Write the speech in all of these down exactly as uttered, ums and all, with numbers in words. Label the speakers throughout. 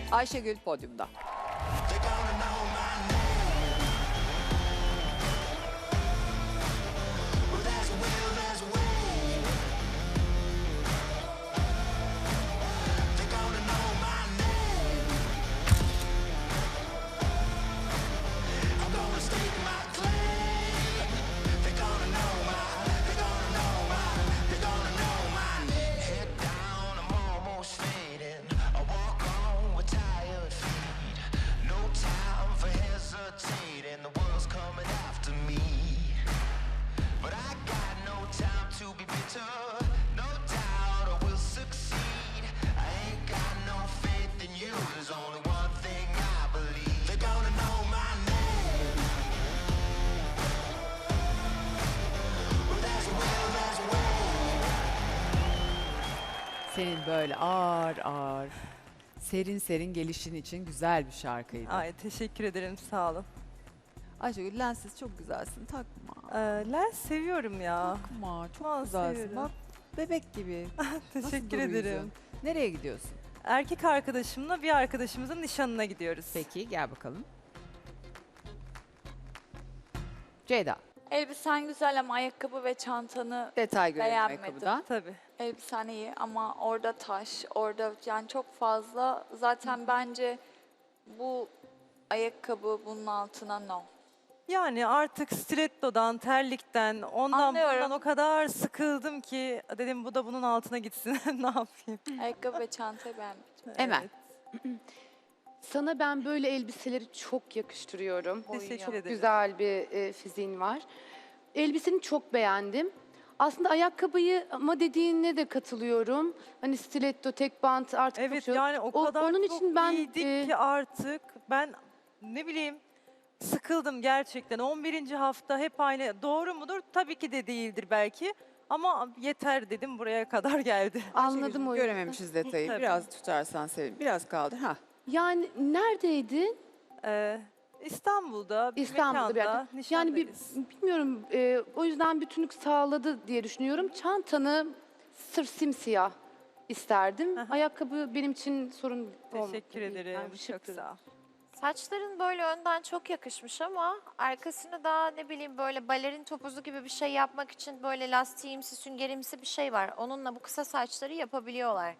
Speaker 1: Ayşegül podyumda. Senin böyle ağır ağır, serin serin gelişin için güzel bir şarkıydı.
Speaker 2: Ay teşekkür ederim, sağ olun.
Speaker 1: Ayşegül lensiz çok güzelsin, takma.
Speaker 2: Ee, lens seviyorum ya.
Speaker 1: Takma, çok
Speaker 2: Vallahi
Speaker 1: güzelsin.
Speaker 2: seviyorum.
Speaker 1: Bak bebek gibi. Nasıl
Speaker 2: Teşekkür
Speaker 1: duruyor
Speaker 2: ederim.
Speaker 1: yüzün? Nereye gidiyorsun?
Speaker 2: Erkek arkadaşımla bir arkadaşımızın nişanına gidiyoruz.
Speaker 1: Peki gel bakalım. Ceyda,
Speaker 3: Elbisen güzel ama ayakkabı ve çantanı
Speaker 1: detay görelim
Speaker 3: Beğenmedim.
Speaker 1: ayakkabıdan.
Speaker 2: Tabii.
Speaker 3: elbisen iyi ama orada taş, orada yani çok fazla. Zaten bence bu ayakkabı bunun altına no.
Speaker 2: Yani artık stilettodan, terlikten, ondan
Speaker 3: Anlıyorum.
Speaker 2: bundan o kadar sıkıldım ki dedim bu da bunun altına gitsin. Ne yapayım?
Speaker 3: Ayakkabı ve çantayı beğenmedim.
Speaker 1: Emel.
Speaker 2: Evet,
Speaker 4: Sana ben böyle elbiseleri çok yakıştırıyorum.
Speaker 2: teşekkür ederim.
Speaker 4: Güzel bir e, fiziğin var. Elbiseni çok beğendim. Aslında ayakkabıyı ama dediğine de katılıyorum. Hani stiletto, tek bant artık
Speaker 2: Evet
Speaker 4: çok-
Speaker 2: yani o
Speaker 4: O-
Speaker 2: kadar
Speaker 4: onun
Speaker 2: çok
Speaker 4: için ben,
Speaker 2: iyiydik
Speaker 4: e,
Speaker 2: ki artık ben ne bileyim sıkıldım gerçekten. on birinci hafta hep aynı. Doğru mudur? Tabii ki de değildir belki. Ama yeter dedim, buraya kadar geldi.
Speaker 4: Anladım
Speaker 1: Ayşegül'cüm,
Speaker 4: o yüzden.
Speaker 1: görememişiz detayı.
Speaker 2: Tabii.
Speaker 1: Biraz tutarsan sevinirim. Biraz kaldı. Ha.
Speaker 4: Yani neredeydin?
Speaker 2: Ee, İstanbul'da bir
Speaker 4: İstanbul'da bir
Speaker 2: mekanda
Speaker 4: yerde. Yani bir,
Speaker 2: nişandayız.
Speaker 4: bilmiyorum e, o yüzden bütünlük sağladı diye düşünüyorum. Çantanı sırf simsiyah isterdim.
Speaker 2: Aha.
Speaker 4: Ayakkabı benim için sorun olmadı.
Speaker 2: Teşekkür ederim.
Speaker 4: Yani
Speaker 2: Çok
Speaker 4: şıktı.
Speaker 2: sağ ol.
Speaker 5: Saçların böyle önden çok yakışmış ama arkasını da ne bileyim böyle balerin topuzu gibi bir şey yapmak için böyle lastiğimsi, süngerimsi bir şey var. Onunla bu kısa saçları yapabiliyorlar.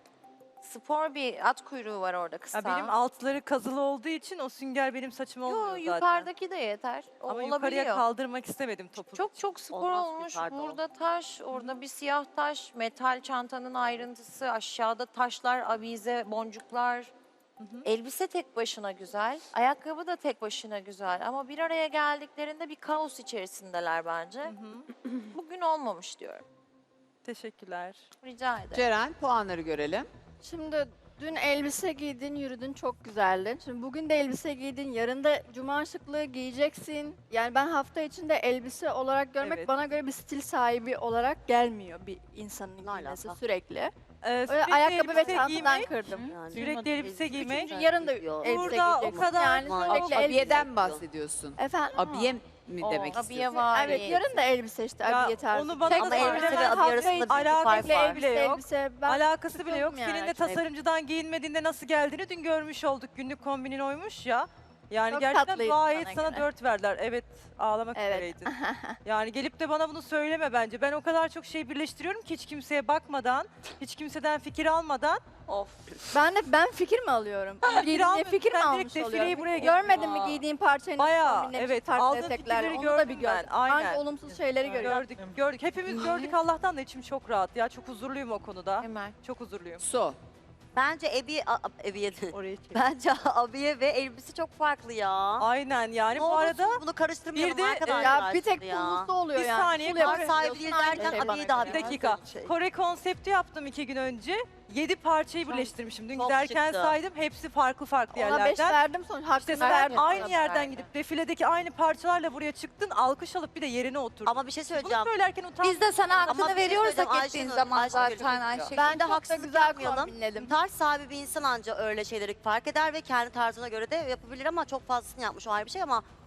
Speaker 5: Spor bir at kuyruğu var orada kısa.
Speaker 2: Ya benim altları kazılı olduğu için o sünger benim saçım olmuyor
Speaker 5: Yo,
Speaker 2: zaten.
Speaker 5: yukarıdaki de yeter. O
Speaker 2: Ama
Speaker 5: olabiliyor.
Speaker 2: yukarıya kaldırmak istemedim topuzu.
Speaker 5: Çok çok spor
Speaker 6: Olmaz
Speaker 5: olmuş.
Speaker 6: yukarıda o.
Speaker 5: Burada taş, orada bir siyah taş, metal çantanın ayrıntısı, aşağıda taşlar, avize, boncuklar. Elbise tek başına güzel, ayakkabı da tek başına güzel ama bir araya geldiklerinde bir kaos içerisindeler bence. Bugün olmamış diyorum.
Speaker 2: Teşekkürler.
Speaker 5: Rica ederim.
Speaker 1: Ceren, puanları görelim.
Speaker 6: Şimdi dün elbise giydin, yürüdün, çok güzeldin. Şimdi bugün de elbise giydin, yarın da cuma şıklığı giyeceksin. Yani ben hafta içinde elbise olarak görmek
Speaker 2: Evet.
Speaker 6: bana göre bir stil sahibi olarak gelmiyor bir insanın giymesi
Speaker 5: alaka?
Speaker 6: sürekli.
Speaker 2: Ee,
Speaker 6: Öyle
Speaker 2: sürekli
Speaker 6: ayakkabı ve
Speaker 2: elbise
Speaker 6: çantadan
Speaker 2: giymek,
Speaker 6: kırdım.
Speaker 5: Yani.
Speaker 2: sürekli elbise giymek.
Speaker 6: Çünkü yarın da elbise
Speaker 2: Burada o
Speaker 6: giyeceksin.
Speaker 2: kadar
Speaker 6: yani
Speaker 2: çok-
Speaker 6: sürekli elbise.
Speaker 1: Abiyeden bahsediyorsun.
Speaker 6: Efendim?
Speaker 1: Abiye mi
Speaker 5: O,
Speaker 1: demek
Speaker 5: abiye
Speaker 1: istiyorsun?
Speaker 5: var.
Speaker 6: Evet, yarın da elbise işte
Speaker 2: Ya,
Speaker 6: abiye tarzı.
Speaker 2: onu bana
Speaker 6: Tek
Speaker 2: da
Speaker 5: Ama
Speaker 6: sorun
Speaker 5: elbise
Speaker 6: ben
Speaker 5: ve
Speaker 6: hafta
Speaker 5: abiye arasında
Speaker 6: içi
Speaker 5: bir fark
Speaker 2: alakası
Speaker 5: var.
Speaker 6: elbise,
Speaker 2: bile yok.
Speaker 6: elbise, ben
Speaker 2: Alakası bile yok.
Speaker 6: sıkıldım yani
Speaker 2: Senin de
Speaker 6: açıkçası.
Speaker 2: tasarımcıdan giyinmediğinde nasıl geldiğini dün görmüş olduk. Günlük kombinin oymuş ya. Yani
Speaker 6: Çok
Speaker 2: gerçekten
Speaker 6: tatlıydın
Speaker 2: gayet
Speaker 6: bana
Speaker 2: sana
Speaker 6: göre.
Speaker 2: dört verdiler. Evet, ağlamak
Speaker 6: Evet.
Speaker 2: üzereydin. Yani gelip de bana bunu söyleme bence. Ben o kadar çok şey birleştiriyorum ki hiç kimseye bakmadan, hiç kimseden fikir almadan.
Speaker 3: Of.
Speaker 6: Ben de ben fikir mi alıyorum? Giydiğim
Speaker 2: almıyorsun,
Speaker 6: fikir mi
Speaker 2: sen
Speaker 6: almış
Speaker 2: direkt defileyi
Speaker 6: oluyorum?
Speaker 2: buraya
Speaker 6: Görmedin mi
Speaker 3: Aa.
Speaker 6: giydiğim parçayı nasıl
Speaker 2: Bayağı,
Speaker 6: kombinlemiş,
Speaker 2: evet,
Speaker 6: farklı
Speaker 2: aldığın
Speaker 6: etekler,
Speaker 2: fikirleri
Speaker 6: onu da bir
Speaker 2: gördüm
Speaker 6: gör.
Speaker 2: ben, aynen.
Speaker 6: Hangi olumsuz şeyleri görüyorum.
Speaker 2: Gördük, gördük. Hepimiz gördük. Allah'tan da içim çok rahat ya. Çok huzurluyum o konuda.
Speaker 5: Emel.
Speaker 2: Çok huzurluyum.
Speaker 1: Su.
Speaker 7: Bence ebi, a- ebiye
Speaker 2: Oraya çek.
Speaker 7: Bence abiye ve elbise çok farklı ya.
Speaker 2: Aynen yani
Speaker 7: Ne
Speaker 2: bu arada
Speaker 7: olursun bunu karıştırmayalım
Speaker 2: bir de,
Speaker 7: arkadaşlar.
Speaker 6: Ya bir tek
Speaker 7: şimdi ya.
Speaker 6: pullusu oluyor
Speaker 2: Bir
Speaker 6: yani.
Speaker 2: saniye,
Speaker 6: Full
Speaker 2: var
Speaker 6: yapıyorsun,
Speaker 7: sahibi değil
Speaker 6: aynı
Speaker 7: derken
Speaker 6: şey bana
Speaker 7: abiyi daha
Speaker 6: göre.
Speaker 2: bir dakika. Kore konsepti yaptım iki gün önce. Yedi parçayı birleştirmişim. Dün
Speaker 7: çok
Speaker 2: giderken
Speaker 7: şıktı.
Speaker 2: saydım. Hepsi farklı farklı
Speaker 6: Ona beş
Speaker 2: yerlerden.
Speaker 6: verdim sonra
Speaker 2: İşte
Speaker 6: hakkını
Speaker 2: sen
Speaker 6: verdim.
Speaker 2: aynı yerden gidip defiledeki aynı parçalarla buraya çıktın. Alkış alıp bir de yerine oturdun.
Speaker 7: Ama bir şey
Speaker 2: Bunu
Speaker 7: söyleyeceğim.
Speaker 2: söylerken utandım.
Speaker 3: Biz de sana
Speaker 7: Ama
Speaker 3: hakkını
Speaker 7: bir şey
Speaker 3: veriyoruz hak
Speaker 7: söyleyeceğim,
Speaker 3: ettiğin
Speaker 7: Ayşenur,
Speaker 3: zaman
Speaker 7: Ayşegül.
Speaker 3: zaten Ayşegül.
Speaker 6: Ben de
Speaker 7: Şimdi
Speaker 6: hakkında
Speaker 7: haksızlık
Speaker 6: güzel
Speaker 7: yapmayalım.
Speaker 6: kombinledim.
Speaker 7: Tarz sahibi bir insan anca öyle şeyleri fark eder ve kendi tarzına göre de yapabilir ama çok fazlasını yapmış o ayrı bir şey ama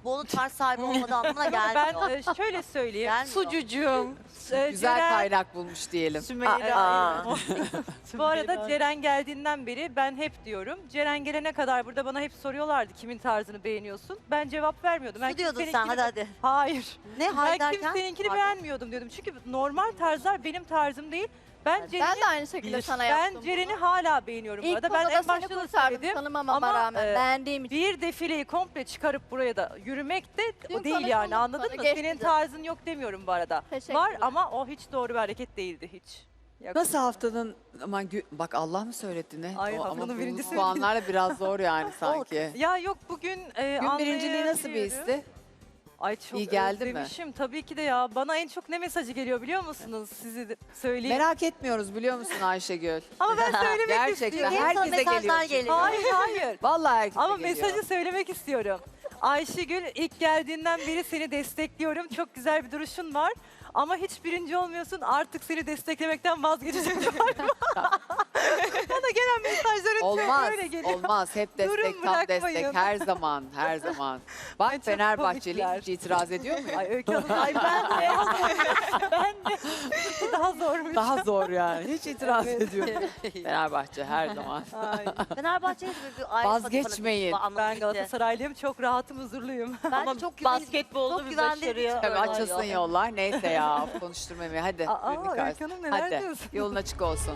Speaker 7: bu onun tarz sahibi olmadığı anlamına
Speaker 2: Ben
Speaker 7: gelmiyor.
Speaker 2: e, şöyle söyleyeyim.
Speaker 7: Gelmiyor.
Speaker 5: Sucuğum.
Speaker 2: E,
Speaker 1: Güzel
Speaker 2: Ceren-
Speaker 1: kaynak bulmuş diyelim.
Speaker 5: Sümeyra.
Speaker 2: Aa. Bu arada Ceren geldiğinden beri ben hep diyorum. Ceren gelene kadar burada bana hep soruyorlardı kimin tarzını beğeniyorsun. Ben cevap vermiyordum. Ben
Speaker 7: Su diyordun sen
Speaker 2: kimseninkini-
Speaker 7: hadi hadi.
Speaker 2: Hayır.
Speaker 7: Ne
Speaker 2: Ben
Speaker 7: hayır derken?
Speaker 2: kimseninkini
Speaker 7: Pardon.
Speaker 2: beğenmiyordum diyordum. Çünkü normal tarzlar benim tarzım değil. Ben
Speaker 6: Ben
Speaker 2: Ceren'i
Speaker 6: de aynı şekilde sana yaptım.
Speaker 2: ben Ceren'i hala beğeniyorum bu
Speaker 6: İlk
Speaker 2: arada.
Speaker 6: konuda
Speaker 2: Ben en
Speaker 6: seni
Speaker 2: başta da
Speaker 6: kurtardım
Speaker 2: söyledim.
Speaker 6: tanımamama
Speaker 2: Ama,
Speaker 6: rağmen.
Speaker 2: e,
Speaker 6: Beğendiğim için.
Speaker 2: Bir defileyi komple çıkarıp buraya da yürümek de
Speaker 6: Dün
Speaker 2: o değil yani
Speaker 6: konuşmamız
Speaker 2: anladın
Speaker 6: sonra
Speaker 2: mı?
Speaker 6: geçti
Speaker 2: Senin
Speaker 6: zaten.
Speaker 2: tarzın yok demiyorum bu arada.
Speaker 6: Teşekkür
Speaker 2: Var
Speaker 6: ederim.
Speaker 2: ama o hiç doğru bir hareket değildi hiç. Yok.
Speaker 1: Nasıl haftanın aman gü- bak Allah mı söyletti ne?
Speaker 2: Ay,
Speaker 1: O, ama
Speaker 2: haftanın
Speaker 1: bu
Speaker 2: birincisi.
Speaker 1: puanlarla biraz zor yani sanki.
Speaker 2: Ya yok bugün e,
Speaker 1: Gün birinciliği nasıl bir
Speaker 2: anlayabiliyorum.
Speaker 1: histi?
Speaker 2: Ay çok
Speaker 1: İyi geldi mi?
Speaker 2: özlemişim. Tabii ki de ya. Bana en çok ne mesajı geliyor biliyor musunuz? Sizi de söyleyeyim.
Speaker 1: Merak etmiyoruz biliyor musun Ayşegül?
Speaker 2: Ama ben söylemek
Speaker 1: Gerçekten
Speaker 2: istiyorum.
Speaker 7: En son
Speaker 1: herkese
Speaker 7: mesajlar
Speaker 1: geliyor. çünkü.
Speaker 7: geliyor.
Speaker 2: Hayır hayır.
Speaker 1: Vallahi herkese
Speaker 2: Ama
Speaker 1: geliyor.
Speaker 2: mesajı söylemek istiyorum. Ayşegül ilk geldiğinden beri seni destekliyorum. Çok güzel bir duruşun var. Ama hiç birinci olmuyorsun. Artık seni desteklemekten vazgeçeceğim galiba. Bana gelen mesajların çoğu
Speaker 1: Olmaz,
Speaker 2: böyle geliyor.
Speaker 1: olmaz. Hep
Speaker 2: Durun,
Speaker 1: destek, tam destek.
Speaker 2: bırakmayın.
Speaker 1: Her zaman, her zaman. Bak
Speaker 2: Ay, çok
Speaker 1: Fenerbahçeli
Speaker 2: komikler.
Speaker 1: hiç itiraz ediyor mu?
Speaker 2: Ay Öykü Hanım, ay ben de. ben de. Daha zormuş.
Speaker 1: Daha zor yani. Hiç itiraz
Speaker 2: Evet.
Speaker 1: ediyor. Fenerbahçe her zaman.
Speaker 2: Ay.
Speaker 7: Fenerbahçe'ye de bir ayrı
Speaker 1: Vazgeçmeyin.
Speaker 7: fanatizm var,
Speaker 2: Ben
Speaker 7: anladım gitti.
Speaker 2: Galatasaraylıyım. Çok rahatım, huzurluyum.
Speaker 7: Ben çok güven,
Speaker 5: Basketbolda
Speaker 7: çok
Speaker 5: bir
Speaker 7: güvendiğim
Speaker 5: başarıya.
Speaker 7: için
Speaker 1: Tabii
Speaker 7: öyle
Speaker 1: açılsın
Speaker 7: oluyor.
Speaker 1: yollar. Neyse ya konuşturmayayım. Hadi.
Speaker 2: Aa,
Speaker 1: ürünü
Speaker 2: Öykü
Speaker 1: karşısına.
Speaker 2: Hanım neler
Speaker 1: Hadi
Speaker 2: diyorsun?
Speaker 1: yolun açık olsun.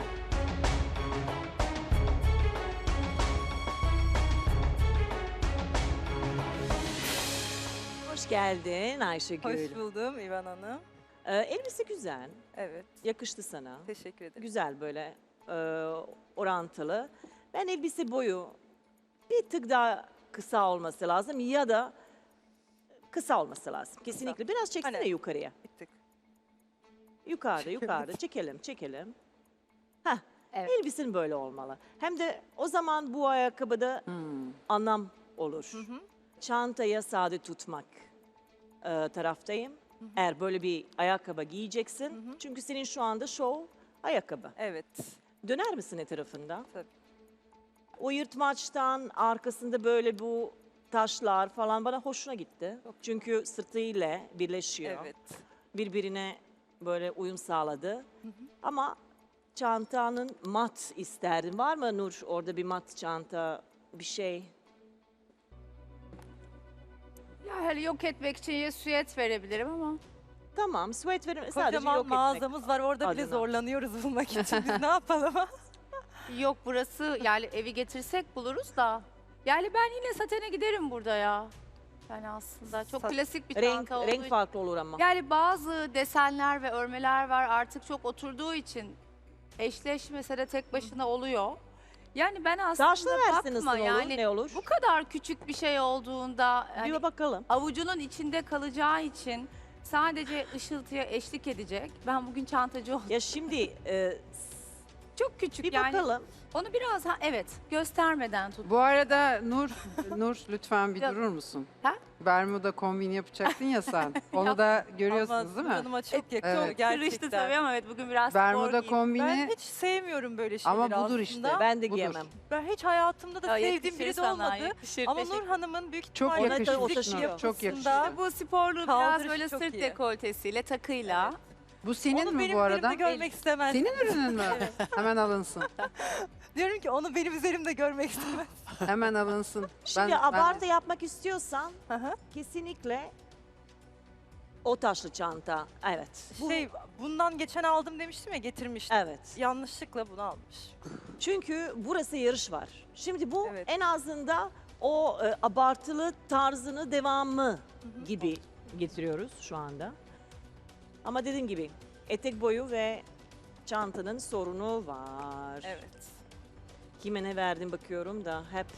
Speaker 8: Hoş geldin Ayşegül.
Speaker 2: Hoş buldum İvan Hanım.
Speaker 8: Ee, elbise güzel,
Speaker 2: Evet,
Speaker 8: yakıştı sana.
Speaker 2: teşekkür ederim.
Speaker 8: Güzel böyle e, orantılı. Ben elbise boyu bir tık daha kısa olması lazım ya da kısa olması lazım. Kesinlikle. Biraz çeksene
Speaker 2: Hani-
Speaker 8: yukarıya.
Speaker 2: Bittik.
Speaker 8: Yukarıda, yukarıda. Çekelim, çekelim. Heh,
Speaker 4: Evet.
Speaker 8: elbisen böyle olmalı. Hem de o zaman bu ayakkabıda
Speaker 1: Hmm.
Speaker 8: anlam olur.
Speaker 2: Hı hı.
Speaker 8: Çantaya sade tutmak e, taraftayım. Eğer böyle bir ayakkabı giyeceksin. Çünkü senin şu anda şov ayakkabı.
Speaker 2: Evet.
Speaker 8: Döner misin etrafında?
Speaker 2: Tabii.
Speaker 8: O yırtmaçtan arkasında böyle bu taşlar falan bana hoşuna gitti. Çünkü sırtıyla birleşiyor.
Speaker 2: Evet.
Speaker 8: Birbirine böyle uyum sağladı. Ama çantanın mat isterdim. Var mı Nur orada bir mat çanta bir şey?
Speaker 4: Ya hele yok etmek için ya süet verebilirim ama.
Speaker 8: Tamam, sweat verin. Sadece
Speaker 2: Kocaman
Speaker 8: yok etmek.
Speaker 2: mağazamız var. Orada bile
Speaker 8: adına.
Speaker 2: zorlanıyoruz bulmak için. Biz ne yapalım?
Speaker 4: Yok burası yani evi getirsek buluruz da. Yani ben yine satene giderim burada ya. Yani aslında çok
Speaker 2: Sat-
Speaker 4: klasik bir
Speaker 8: Renk,
Speaker 4: çanta olduğu
Speaker 8: renk
Speaker 4: için.
Speaker 8: farklı olur ama.
Speaker 4: Yani bazı desenler ve örmeler var artık çok oturduğu için eşleşmese de tek başına oluyor. Yani ben aslında
Speaker 8: Taşlı versin
Speaker 4: bakma
Speaker 8: ısın olur,
Speaker 4: yani
Speaker 8: ne olur?
Speaker 4: bu kadar küçük bir şey olduğunda
Speaker 8: Bir
Speaker 4: hani
Speaker 8: bakalım.
Speaker 4: avucunun içinde kalacağı için sadece ışıltıya eşlik edecek. Ben bugün çantacı oldum.
Speaker 8: Ya şimdi e,
Speaker 4: Çok küçük
Speaker 8: bir
Speaker 4: yani.
Speaker 8: bakalım.
Speaker 4: Onu biraz ha, evet göstermeden tut.
Speaker 9: Bu arada Nur, Nur lütfen bir
Speaker 4: Ya-
Speaker 9: durur musun?
Speaker 4: Ha?
Speaker 9: Bermuda kombini yapacaktın ya sen. Onu da görüyorsunuz
Speaker 2: Ama
Speaker 9: değil mi?
Speaker 2: Hanıma çok yakın
Speaker 9: Evet.
Speaker 2: gerçekten.
Speaker 4: Kırıştı tabii ama evet bugün biraz
Speaker 9: Bermuda
Speaker 4: spor giydim.
Speaker 9: kombini
Speaker 2: Ben hiç sevmiyorum böyle şeyleri
Speaker 9: ama budur
Speaker 2: aslında.
Speaker 9: işte.
Speaker 8: Ben de
Speaker 9: budur.
Speaker 8: giyemem.
Speaker 2: Ben hiç hayatımda da
Speaker 4: Ya
Speaker 2: sevdiğim
Speaker 4: yakışır
Speaker 2: biri de
Speaker 4: sana,
Speaker 2: olmadı.
Speaker 4: yakışır.
Speaker 2: Ama
Speaker 4: Teşekkür-
Speaker 2: Nur Hanım'ın büyük
Speaker 9: Çok
Speaker 2: ihtimalle
Speaker 8: yakışmış.
Speaker 2: fizik
Speaker 8: Taşıyor.
Speaker 9: Çok
Speaker 2: yapısında
Speaker 9: yakışmış.
Speaker 4: Bu sporlu biraz
Speaker 2: Kaldırış
Speaker 4: böyle
Speaker 2: çok
Speaker 4: sırt
Speaker 2: iyi.
Speaker 4: dekoltesiyle, takıyla.
Speaker 9: Bu senin
Speaker 2: Onu
Speaker 9: mi
Speaker 2: benim
Speaker 9: bu arada?
Speaker 2: üzerimde görmek istemez.
Speaker 9: Senin ürünün mü? Hemen alınsın.
Speaker 2: Diyorum ki onu benim üzerimde görmek istemez.
Speaker 9: Hemen alınsın.
Speaker 8: Şimdi
Speaker 9: Ben-
Speaker 8: abartı yapmak istiyorsan
Speaker 2: Hı hı.
Speaker 8: kesinlikle o taşlı çanta. Evet. Bu-
Speaker 2: Şey bundan geçen aldım demiştim ya getirmiştim.
Speaker 8: Evet.
Speaker 2: Yanlışlıkla bunu almış.
Speaker 8: Çünkü burası yarış var. Şimdi bu
Speaker 2: Evet.
Speaker 8: en azında o e, abartılı tarzını devamı gibi getiriyoruz şu anda. Ama dediğim gibi etek boyu ve çantanın sorunu var.
Speaker 2: Evet.
Speaker 8: Kime ne verdim bakıyorum da hep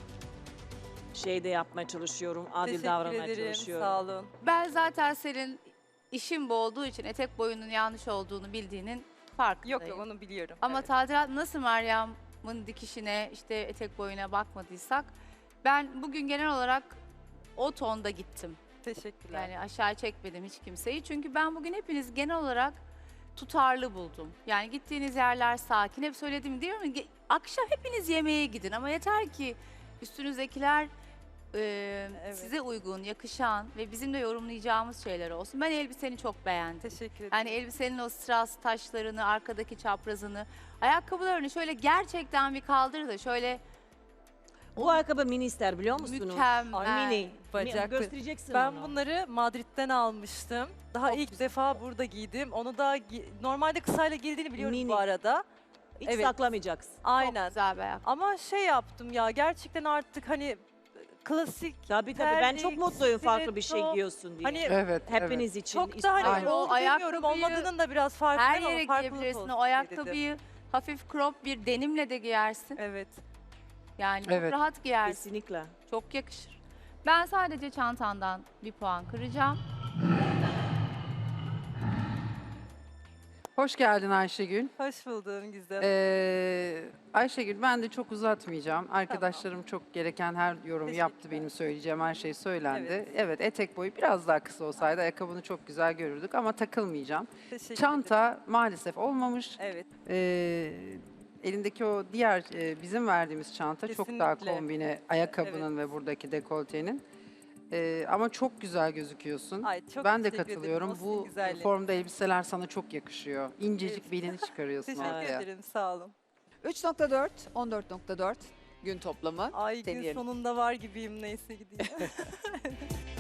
Speaker 8: şeyde yapmaya çalışıyorum, adil
Speaker 2: Teşekkür
Speaker 8: davranmaya
Speaker 2: ederim.
Speaker 8: çalışıyorum.
Speaker 2: Sağ olun.
Speaker 4: Ben zaten senin işin bu olduğu için etek boyunun yanlış olduğunu bildiğinin farkındayım.
Speaker 2: Yok yok onu biliyorum.
Speaker 4: Ama
Speaker 2: evet.
Speaker 4: tadilat nasıl Meryem'in dikişine, işte etek boyuna bakmadıysak ben bugün genel olarak o tonda gittim.
Speaker 2: Teşekkürler.
Speaker 4: Yani aşağı çekmedim hiç kimseyi. Çünkü ben bugün hepiniz genel olarak tutarlı buldum. Yani gittiğiniz yerler sakin. Hep söylediğim diyorum ki akşam hepiniz yemeğe gidin ama yeter ki üstünüzdekiler
Speaker 10: e,
Speaker 2: Evet.
Speaker 10: size uygun, yakışan ve bizim de yorumlayacağımız şeyler olsun. Ben elbiseni çok beğendim.
Speaker 2: Teşekkür ederim.
Speaker 10: Yani elbisenin o strass taşlarını, arkadaki çaprazını, ayakkabılarını şöyle gerçekten bir kaldır da şöyle
Speaker 8: Bu ayakkabı mini ister biliyor musunuz?
Speaker 10: mükemmel.
Speaker 8: Ay, mini.
Speaker 2: Bacak-
Speaker 8: Göstereceksin
Speaker 2: Ben
Speaker 8: onu.
Speaker 2: bunları Madrid'den almıştım. Daha
Speaker 8: Çok
Speaker 2: ilk
Speaker 8: güzel.
Speaker 2: defa burada giydim. Onu da gi- normalde kısayla girdiğini biliyorum
Speaker 8: Mini.
Speaker 2: bu arada.
Speaker 8: Hiç
Speaker 2: Evet.
Speaker 8: saklamayacaksın.
Speaker 2: Aynen.
Speaker 10: Güzel bir ayakkabı.
Speaker 2: Ama şey yaptım ya gerçekten artık hani klasik
Speaker 8: Tabii tabii ben çok
Speaker 2: terlik,
Speaker 8: mutluyum farklı bir şey
Speaker 2: stiletto.
Speaker 8: giyiyorsun diye.
Speaker 2: hani
Speaker 9: Evet,
Speaker 8: Hepiniz için.
Speaker 2: çok da hani
Speaker 9: Aynen.
Speaker 2: oldu
Speaker 10: O
Speaker 2: demiyorum
Speaker 10: ayakkabıyı
Speaker 2: olmadığının da biraz farkındayım
Speaker 10: Her
Speaker 2: ama
Speaker 10: yere
Speaker 2: farklılık
Speaker 10: giyebilirsin.
Speaker 2: olsun
Speaker 10: O
Speaker 2: diye
Speaker 10: ayakkabıyı hafif crop bir denimle de giyersin.
Speaker 2: dedim. Evet.
Speaker 10: Yani çok
Speaker 9: Evet.
Speaker 10: rahat giyersin.
Speaker 8: Kesinlikle.
Speaker 10: Çok yakışır. Ben sadece çantandan bir puan kıracağım.
Speaker 9: Hoş geldin Ayşegül.
Speaker 2: Hoş buldum Gizem.
Speaker 9: Ee, Ayşegül ben de çok uzatmayacağım. Arkadaşlarım çok gereken her yorumu yaptı.
Speaker 2: Teşekkürler.
Speaker 9: Benim söyleyeceğim her şey söylendi.
Speaker 2: Evet.
Speaker 9: Evet. etek boyu biraz daha kısa olsaydı ayakkabını çok güzel görürdük ama takılmayacağım.
Speaker 2: Teşekkür ederim.
Speaker 9: Çanta maalesef olmamış.
Speaker 2: Evet.
Speaker 9: Ee, elindeki o diğer e, bizim verdiğimiz çanta çok daha
Speaker 2: Kesinlikle.
Speaker 9: kombine ayakkabının ve buradaki dekoltenin. Ee, ama çok güzel gözüküyorsun.
Speaker 2: Ay, çok
Speaker 9: ben de
Speaker 2: teşekkür ederim.
Speaker 9: katılıyorum.
Speaker 2: Olsun
Speaker 9: Bu
Speaker 2: güzelliği.
Speaker 9: formda elbiseler sana çok yakışıyor. İncecik
Speaker 2: Evet.
Speaker 9: belini çıkarıyorsun
Speaker 2: Teşekkür
Speaker 9: ortaya.
Speaker 2: ederim sağ olun.
Speaker 1: üç nokta dört, on dört nokta dört gün toplamı.
Speaker 2: Ay
Speaker 1: Seni
Speaker 2: gün
Speaker 1: yerim.
Speaker 2: sonunda var gibiyim neyse gideyim.